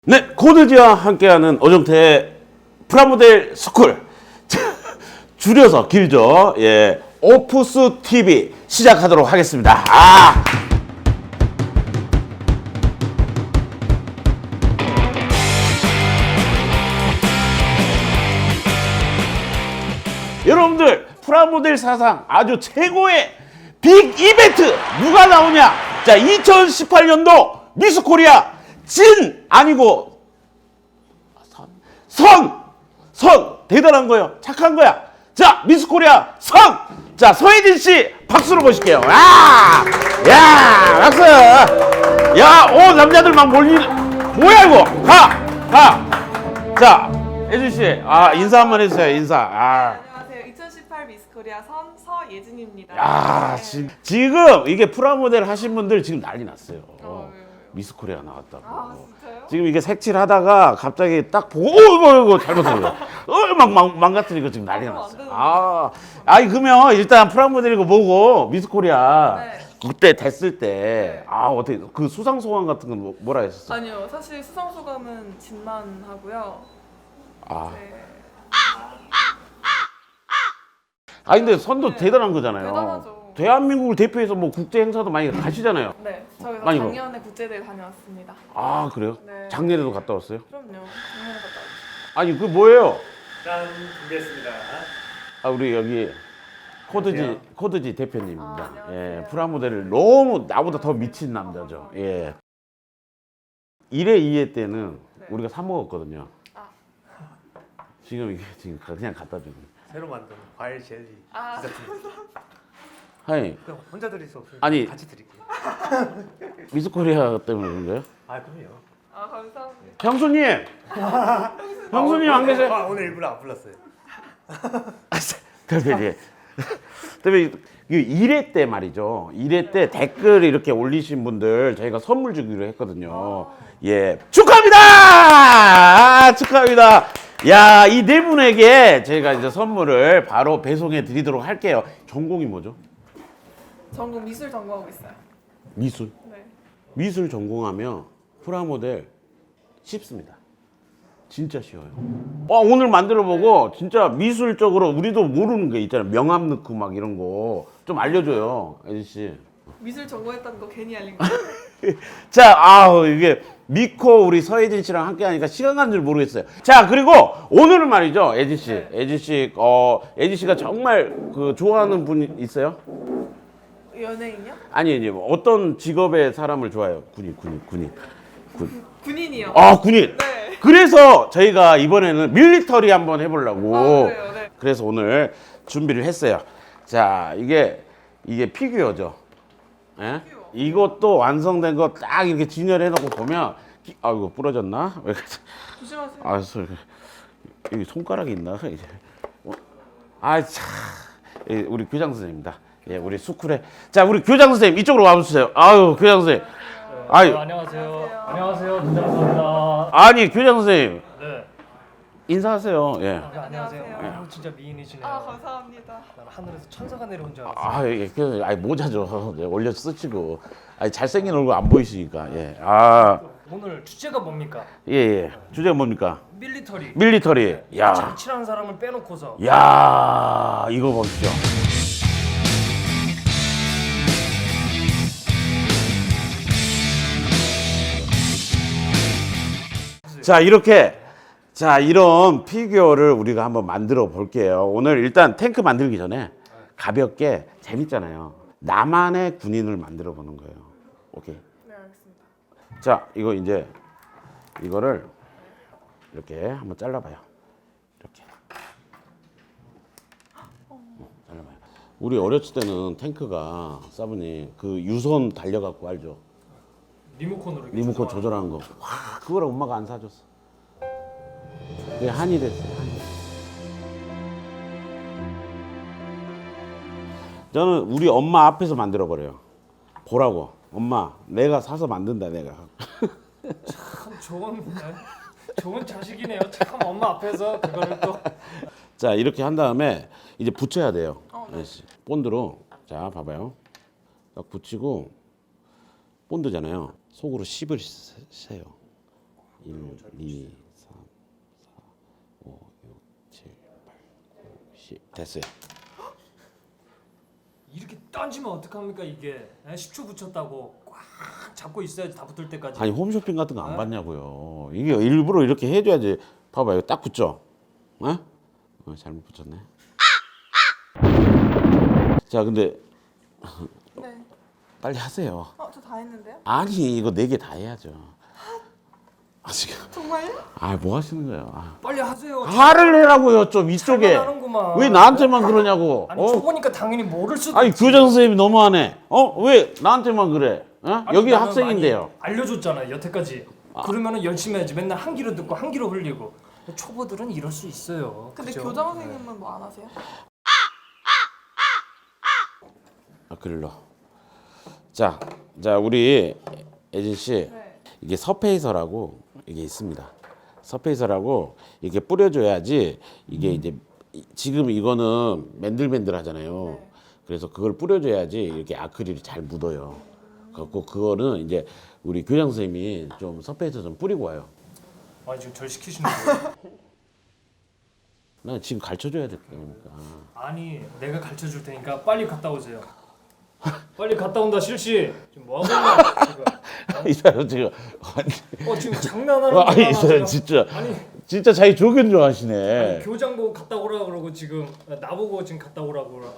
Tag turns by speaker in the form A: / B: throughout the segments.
A: 네, 코드지와 함께하는 어정태의 프라모델 스쿨. 줄여서 길죠. 예, 오프스 TV 시작하도록 하겠습니다. 여러분들, 프라모델 사상 아주 최고의 빅 이벤트 누가 나오냐? 자, 2018년도 미스 코리아 진 아니고 선 대단한 거예요. 착한 거야. 자, 미스 코리아 선. 자, 서혜진 씨 박수로 모실게요. 야, 박수. 야, 남자들 막 뭐야 이거? 가. 자, 혜진 씨, 인사 한번 해주세요. 인사.
B: 안녕하세요. 2018 미스 코리아 선 서예진입니다.
A: 지금 이게 프라모델 하신 분들 지금 난리 났어요.
B: 왜요?
A: 미스 코리아 나왔다고.
B: 진짜요?
A: 지금 이게 색칠하다가 갑자기 딱 보고 이거 잘못한 거야. 망가뜨리고 지금 난리가 났어요. 그러면 일단 프라모델이고 뭐고 미스 코리아
B: 네.
A: 그때 됐을 때
B: 네.
A: 어떻게 그 수상 소감 같은 건 뭐라 했었어?
B: 아니요. 사실 수상 소감은 진만 하고요. 네.
A: 근데 선도
B: 네.
A: 대단한 거잖아요.
B: 대단하죠.
A: 대한민국을 대표해서 뭐 국제 행사도 많이 가시잖아요.
B: 네. 저희가
A: 많이
B: 작년에 국제대회 다녀왔습니다.
A: 그래요?
B: 네.
A: 작년에도 갔다 왔어요?
B: 그럼요. 작년에 갔다 왔죠.
A: 아니 그 뭐예요?
C: 짠, 준비했습니다.
A: 우리 여기
C: 안녕하세요.
A: 코드지 대표님입니다.
B: 안녕하세요.
A: 예, 프라모델을 너무 나보다 더 미친 남자죠. 예. 1회, 2회 때는
B: 네.
A: 우리가 사 먹었거든요. 지금 이게 그냥 갖다 주는.
C: 새로 만든 과일 젤리 디저트.
A: 아니,
C: 그냥 혼자 드릴 수 없으니까
A: 아니.
C: 같이 드릴게요.
A: 미스코리아 때문에 그런 거예요?
C: 그럼요.
B: 감사합니다.
A: 형수님! 형수님 안 계세요?
C: 오늘 일부러 안 불렀어요.
A: 대표님. 대표님, 1회 때 말이죠. 1회 때 댓글 이렇게 올리신 분들 저희가 선물 주기로 했거든요. 예. 축하합니다! 축하합니다! 야, 이 네 분에게 저희가 이제 선물을 바로 배송해 드리도록 할게요. 전공이 뭐죠?
B: 전공 미술 전공하고 있어요.
A: 미술.
B: 네.
A: 미술 전공하면 프라모델 쉽습니다. 진짜 쉬워요. 오늘 만들어 보고 진짜 미술적으로 우리도 모르는 게 있잖아요. 명암 넣고 막 이런 거 좀 알려줘요, 혜진 씨.
B: 미술 전공했다는 거 괜히 알린 거예요.
A: 자, 이게 미코 우리 서혜진 씨랑 함께 하니까 시간 가는 줄 모르겠어요. 자, 그리고 오늘은 말이죠, 혜진 씨.
B: 네.
A: 혜진 씨가 정말 그 좋아하는 분 있어요?
B: 연예인이요?
A: 아니, 뭐 어떤 직업의 사람을 좋아해요? 군인.
B: 군인이요.
A: 군인.
B: 네.
A: 그래서 저희가 이번에는 밀리터리 한번 해보려고.
B: 그래요? 네.
A: 그래서 오늘 준비를 했어요. 자, 이게 피규어죠. 예?
B: 피규어.
A: 이것도 완성된 거 딱 이렇게 진열해놓고 보면, 이거 부러졌나? 왜 그러지?
B: 조심하세요.
A: 여기 손가락이 있나? 이제. 참. 우리 교장 선생님입니다. 예, 우리 수쿨에. 자, 우리 교장 선생님 이쪽으로 와주세요. 교장 선생님.
C: 안녕하세요. 안녕하세요. 김장수입니다.
A: 아니, 교장 선생님.
C: 네.
A: 인사하세요. 예.
B: 안녕하세요.
C: 진짜 미인이시네요.
B: 감사합니다.
C: 난 하늘에서 천사가 내려온 줄 알았어요.
A: 모자죠. 올려 쓰시고. 잘생긴 얼굴 안 보이시니까. 예.
C: 오늘 주제가 뭡니까?
A: 예. 주제가 뭡니까?
C: 밀리터리.
A: 밀리터리. 야.
C: 잘 친한 사람을 빼놓고서
A: 야, 이거 보십시오. 이런 피규어를 우리가 한번 만들어 볼게요. 오늘 일단 탱크 만들기 전에 가볍게 재밌잖아요. 나만의 군인을 만들어 보는 거예요. 오케이.
B: 네, 알겠습니다.
A: 자, 이거를 이렇게 한번 잘라봐요. 이렇게. 잘라봐요. 우리 어렸을 때는 탱크가 사부님 그 유선 달려갖고 알죠?
C: 리모컨으로 이렇게
A: 리모컨
C: 조정하는
A: 조절하는 거. 그걸 엄마가 안 사줬어. 그게 한이 됐어요. 한이. 저는 우리 엄마 앞에서 만들어 버려요. 보라고. 엄마, 내가 사서 만든다 내가.
C: 참 좋은 자식이네요. 참 엄마 앞에서 그거를 또.
A: 자, 이렇게 한 다음에 이제 붙여야 돼요.
B: 네.
A: 본드로. 자, 봐봐요. 딱 붙이고 본드잖아요. 속으로 씹을 세요. 1, 2, 3, 4, 5, 6, 7, 8, 9, 10 됐어요.
C: 이렇게 던지면 어떡합니까 이게? 10초 붙였다고 꽉 잡고 있어야지 다 붙을 때까지.
A: 아니 홈쇼핑 같은 거 안 봤냐고요. 이게 일부러 이렇게 해줘야지. 봐봐 이거 딱 붙죠. 어? 잘못 붙였네. 자 근데
B: 네.
A: 빨리 하세요.
B: 저 다 했는데요?
A: 아니 이거 4개 다 해야죠. 아 지금
B: 정말요?
A: 뭐 하시는 거예요?
C: 빨리 하세요.
A: 화를 내라고요 좀 이쪽에.
C: 잘못하는구만.
A: 왜 나한테만 그러냐고.
C: 아니 초보니까 당연히 모를 수도
A: 아니
C: 있지.
A: 교장 선생님이 너무하네. 왜 나한테만 그래?
C: 아니,
A: 여기
C: 나는
A: 학생인데요.
C: 많이 알려줬잖아요 여태까지. 그러면은 열심히 해야지. 맨날 한 귀로 듣고 한 귀로 흘리고. 초보들은 이럴 수 있어요.
B: 근데
C: 그죠?
B: 교장 선생님은 뭐 안 하세요?
A: 글로. 자 우리 예진 씨
B: 네.
A: 이게 서페이서라고 이게 있습니다. 서페이서라고 이게 뿌려줘야지 이게 이제 지금 이거는 맨들맨들하잖아요.
B: 네.
A: 그래서 그걸 뿌려줘야지 이렇게 아크릴이 잘 묻어요. 그래갖고 그거는 이제 우리 교장 선생님이 좀 서페이서 좀 뿌리고 와요.
C: 아니 지금 절 시키시는 거예요?
A: 나 지금 가르쳐줘야 될 거니까.
C: 아니 내가 가르쳐 줄 테니까 빨리 갔다 오세요. 빨리 갔다 온다 실시. 지금 뭐 하고 있냐 지금?
A: 이 사람 지금
C: 지금 장난하는
A: 아니 이
C: 거야
A: 사람
C: 지금.
A: 진짜 진짜 자기 조견 좋아하시네.
C: 아니, 교장 보고 갔다 오라 그러고 지금 나보고 지금 갔다 오라고 그러.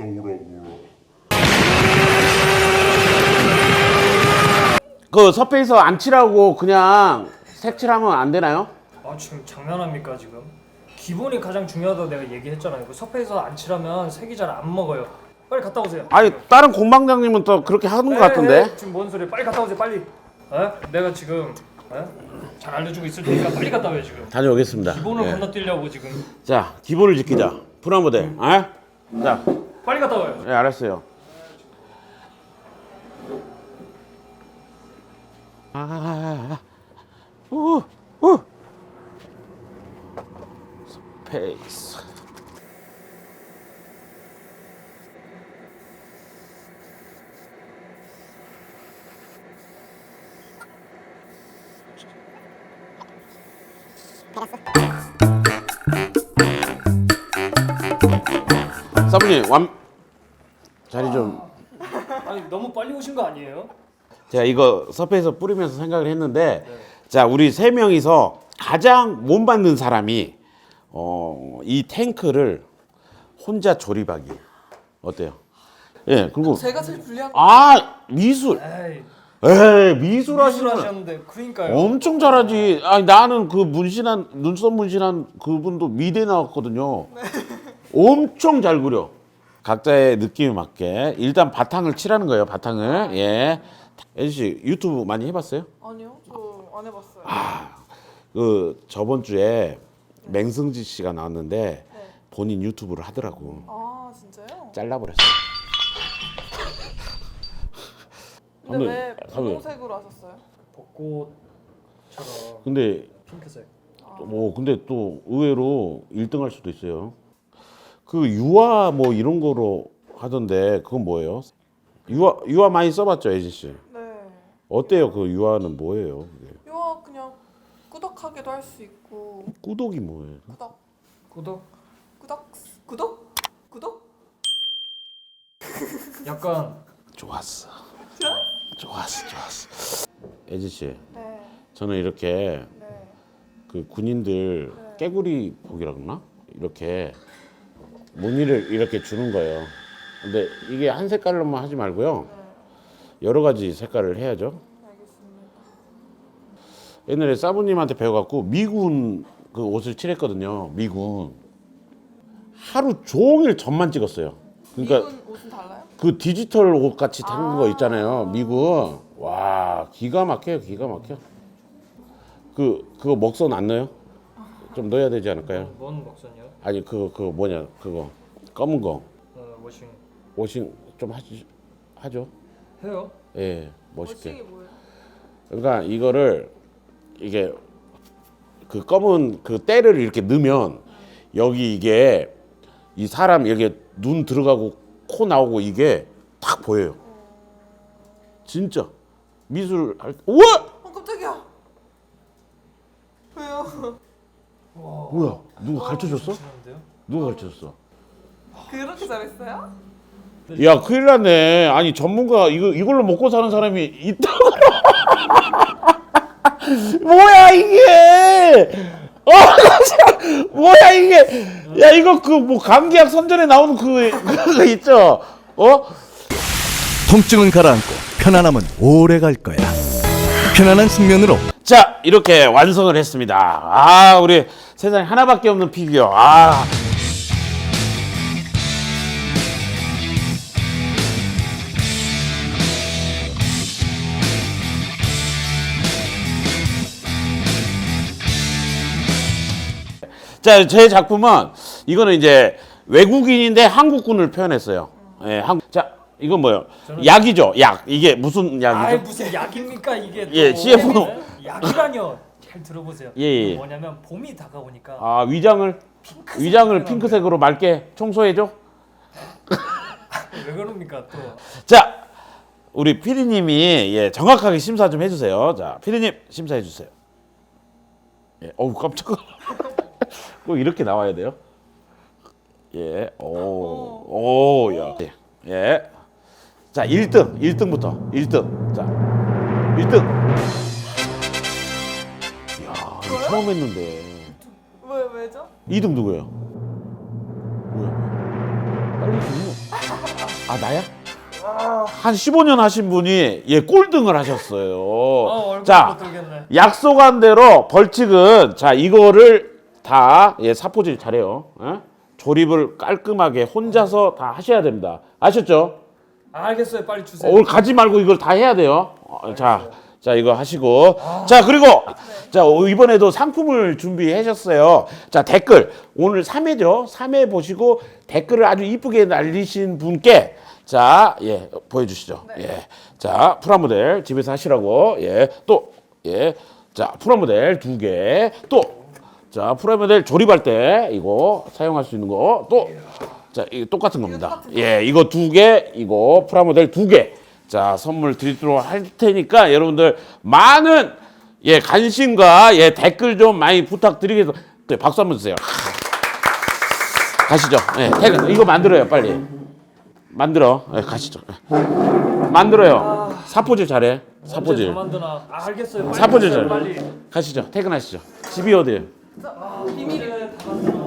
A: 그 서페이서 안 칠하고 그냥 색칠하면 안 되나요?
C: 아 지금 장난합니까 지금? 기본이 가장 중요하다고 내가 얘기했잖아요. 그 섭외에서 안 칠하면 색이 잘 안 먹어요. 빨리 갔다 오세요.
A: 아니 다른 공방장님은 또 그렇게 하는 것 같은데.
C: 지금 뭔 소리야? 빨리 갔다 오세요. 빨리. 내가 지금 잘 알려주고 있을 테니까 빨리 갔다 와요 지금.
A: 다녀오겠습니다.
C: 기본을
A: 예.
C: 건너뛰려고 지금.
A: 자 기본을 지키자. 프라모델. 자,
C: 빨리 갔다 와요.
A: 예, 알았어요. 스페이스. 사부님 자리 좀.
C: 아니 너무 빨리 오신 거 아니에요?
A: 제가 이거 서페이서 뿌리면서 생각을 했는데, 자 우리 3명이서 가장 못 받는 사람이 이 탱크를 혼자 조립하기 어때요? 예, 그리고
B: 제가 제일 불리한
A: 미술.
C: 에이
A: 미술
C: 미술
A: 하시는
C: 하셨는데 그러니까요.
A: 엄청 잘하지. 아니 나는 그 문신한 눈썹 문신한 그분도 미대 나왔거든요. 엄청 잘 그려. 각자의 느낌에 맞게 일단 바탕을 칠하는 거예요. 바탕을. 예. 예진 씨 유튜브 많이 해봤어요?
B: 아니요, 저 안 해봤어요.
A: 그 저번 주에 맹승지 씨가 나왔는데
B: 네.
A: 본인 유튜브를 하더라고.
B: 진짜요?
A: 잘라버렸어.
B: 근데 왜
A: 사부님.
B: 분홍색으로 하셨어요?
C: 벚꽃처럼
A: 근데
C: 핑크색.
A: 근데 또 의외로 1등 할 수도 있어요. 그 유화 뭐 이런 거로 하던데 그건 뭐예요? 유화 많이 써봤죠, 예진 씨?
B: 네.
A: 어때요? 그 유화는 뭐예요? 그게?
B: 이거 그냥 꾸덕하게도 할 수 있고.
A: 꾸덕이 뭐예요?
C: 구독?
B: 구독?
C: 약간
A: 좋았어. 좋았어. 예진 씨,
B: 네.
A: 저는 이렇게
B: 네.
A: 그 군인들
B: 네.
A: 깨구리 복이라 그러나? 이렇게 무늬를 이렇게 주는 거예요. 근데 이게 한 색깔로만 하지 말고요. 여러 가지 색깔을 해야죠.
B: 알겠습니다.
A: 옛날에 사부님한테 배워갖고 미군 그 옷을 칠했거든요. 미군. 하루 종일 점만 찍었어요. 그러니까
B: 미군 옷은 달라요?
A: 그 디지털 옷 같이 생긴 거 있잖아요. 미군. 와 기가 막혀요. 기가 막혀. 그거 먹선 안 넣어요? 좀 넣어야 되지 않을까요?
C: 뭔 먹선이요?
A: 아니 그거 뭐냐 그거 검은 거
C: 워싱
A: 워싱 좀 하죠.
C: 해요?
A: 예 멋있게.
B: 멋있게 뭐예요?
A: 그러니까 이거를 이게 그 검은 그 때를 이렇게 넣으면 여기 이게 이 사람 이렇게 눈 들어가고 코 나오고 이게 딱 보여요. 진짜 미술 할 우와
B: 깜짝이야.
A: 뭐야? 누가 가르쳐줬어?
C: 치는데요?
A: 누가 가르쳐줬어?
B: 그렇게 잘했어요?
A: 야, 큰일 났네. 아니, 전문가 이걸로 먹고 사는 사람이 있다. 뭐야 이게? 뭐야 이게? 야, 이거 그 뭐 감기약 선전에 나오는 그거 있죠?
D: 통증은 가라앉고 편안함은 오래 갈 거야. 편안한 숙면으로
A: 자, 이렇게 완성을 했습니다. 아, 우리 세상에 하나밖에 없는 피규어. 아. 자, 제 작품은 이거는 이제 외국인인데 한국군을 표현했어요. 예, 자, 이건 뭐예요? 약이죠, 약. 이게 무슨
C: 아이
A: 약이죠?
C: 무슨 약입니까 이게? 또.
A: 예, CF 도.
C: 약이라뇨. 잘 들어보세요.
A: 예, 예.
C: 이게 뭐냐면 봄이 다가오니까
A: 아, 위장을 핑크색으로 맑게 청소해줘.
C: 왜 그럽니까 또?
A: 자, 우리 피디님이 예, 정확하게 심사 좀 해주세요. 자, 피디님 심사해 주세요. 예, 어우 깜짝아. 꼭 이렇게 나와야 돼요. 예, 오, 야, 예. 자, 1등부터 1등. 자, 1등. 야, 이거 처음 했는데.
B: 왜죠?
A: 2등 누구예요? 뭐야? 빨리 좀. 아, 나야? 한 15년 하신 분이 예 꼴등을 하셨어요.
C: 얼굴
A: 자,
C: 못 들겠네.
A: 약속한 대로 벌칙은 자 이거를 다 예 사포질 잘해요. 조립을 깔끔하게 혼자서 다 하셔야 됩니다. 아셨죠?
C: 알겠어요. 빨리 주세요.
A: 오늘 가지 말고 이걸 다 해야 돼요. 자 이거 하시고 자 그리고 자 이번에도 상품을 준비하셨어요. 자 댓글 오늘 3회죠. 3회 보시고 댓글을 아주 이쁘게 날리신 분께 자 예 보여주시죠. 예, 자 프라모델 집에서 하시라고 자 프라모델 2개 또 자 프라모델 조립할 때 이거 사용할 수 있는 거 또 자 이거 똑같은 겁니다. 예, 이거 2개 이거 프라모델 2개. 자, 선물 드리도록 할 테니까 여러분들 많은 예, 관심과 예, 댓글 좀 많이 부탁드리겠습니다. 네, 박수 한번 주세요. 가시죠. 예, 이거 만들어요, 빨리. 만들어. 예, 가시죠. 만들어요. 사포질 잘해. 사포질.
C: 만드나? 알겠어요. 빨리
A: 사포질
C: 주세요,
A: 잘해.
C: 빨리.
A: 가시죠. 퇴근하시죠. 집이 어디예요?
B: 비밀이에요.